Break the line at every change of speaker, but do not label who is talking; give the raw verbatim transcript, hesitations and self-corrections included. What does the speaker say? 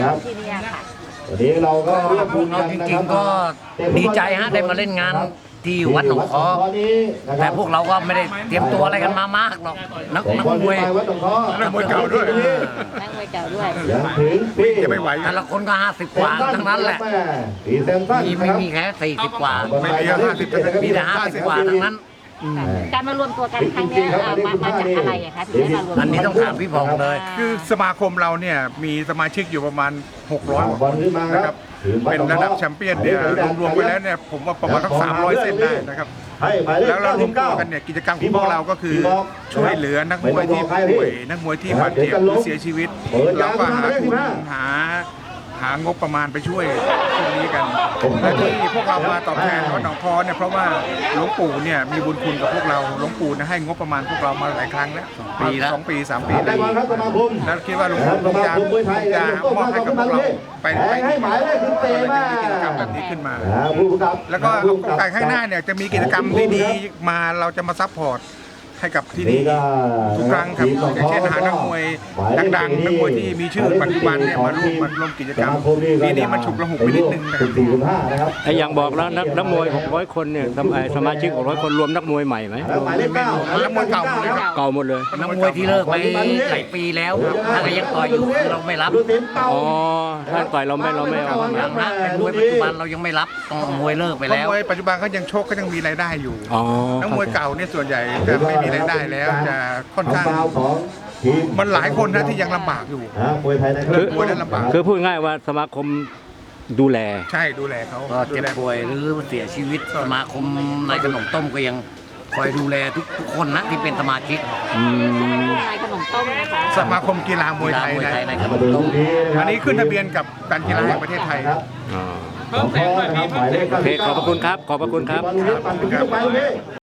ที่นี่ค่ะ
วันนี้เราก็
พวกเราจริงๆก็ดีใจฮะได้มาเล่นงานที่วัดหนองคอแต่พวกเราก็ไม่ได้เตรียมตัวอะไรกันมามากหรอกนักนักมวย
นักมวยเก่าด้วย
นักมวยเก่าด้วย
จะไม่ไหว
แต่ละคนก็ห้าสิบกว่าทั้งนั้นแหละมีไม่มีแค่สี่สิบกว่า
ไม่มีห้าสิบ
มีแต่ห้าสิบกว่าทั้งนั้น
การมารวมตัวกันครั้งนี้มามาจากอะไรอะคะถึงได้มารวม
อันนี้ต้องถามพี่พงษ์เลย
คือสมาคมเราเนี่ยมีสมาชิกอยู่ประมาณหกร้อยคนนะครับเป็นระดับแชมเปี้ยนเนี่ยรวมๆไปแล้วเนี่ยผมว่าประมาณทั้งสามร้อยเส้นได้นะครับแล้วเรารวมตัวกันเนี่ยกิจกรรมของพวกเราก็คือช่วยเหลือนักมวยที่ป่วยนักมวยที่บาดเจ็บหรือเสียชีวิตเราก็หาทุนหาหางบประมาณไปช่วยพวกนี้กันและที่พวกเรามาตอบแทนวัดหนองคอเนี่ยเพราะว่าหลวงปู่เนี่ยมีบุญคุณกับพวกเราหลวงปู่ให้งบประมาณพวกเรามาหลายครั้งแล้วปีละสองปีสามปีแล้วแล้วคิดว่าหลวงปู่คงจะคงจะมอบให้กับพวกเราไปไปให้หมายเลขคือเตะมากิจกรรมแบบนี้ขึ้นมาแล้วก็โอกาสข้างหน้าเนี่ยจะมีกิจกรรมดีๆมาเราจะมาซัพพอร์ตให้กับที่นี่ทุกครั้งครับอย่างเช่นหานักมวยดังๆนักมวยที่มีชื่อปัจจุบันเนี่ยมาร่วมมาร่วมกิจกรรมปีนี้มันฉุกระหุกไปนิดนึงนะครับ
ไอ้อย่างบอกแล้วนักนักมวยหกร้อยคนเนี่ยสมาชิกหกร้อยคนรวมนักมวยใหม่ไหม
นักมวยเก่าหมดเลย
เก่าหมดเลย
นักมวยที่เลิกไปหลายปีแล้วถ้ายังต่อยอยู่เราไม่รับ
อ๋อถ้าต่อยเราไม่เราไม่เอา
อย่างนั้นเป็นมวยปัจจุบันเรายังไม่รับต้องมวยเลิกไปแล้ว
มวยปัจจุบันเขายังโชคก็ยังมีรายได้อยู่นักมวยเก่าเนี่ยส่วนใหญ่จะไม่มีรายได้แล้วจะค่อนข้างมันหลายคนนะที่ยังลำบากอยู่
คือคือพูดง่ายว่าสมาคมดูแล
ใช่ดูแลเขา
ก็เจ็บป่วยหรือเสียชีวิตสมาคมนายขนมต้มก็ยังคอยดูแลทุกทุกคนนะที่เป็นสมาชิก
นายขนมต้มนะคะ
สมาคมกีฬามวยไทย
นายขนมต้ม
อันนี้ขึ้นทะเบียนกับการกีฬาแห่งประเทศไทย
โอเคขอบพระคุณครับขอบพระคุณครับ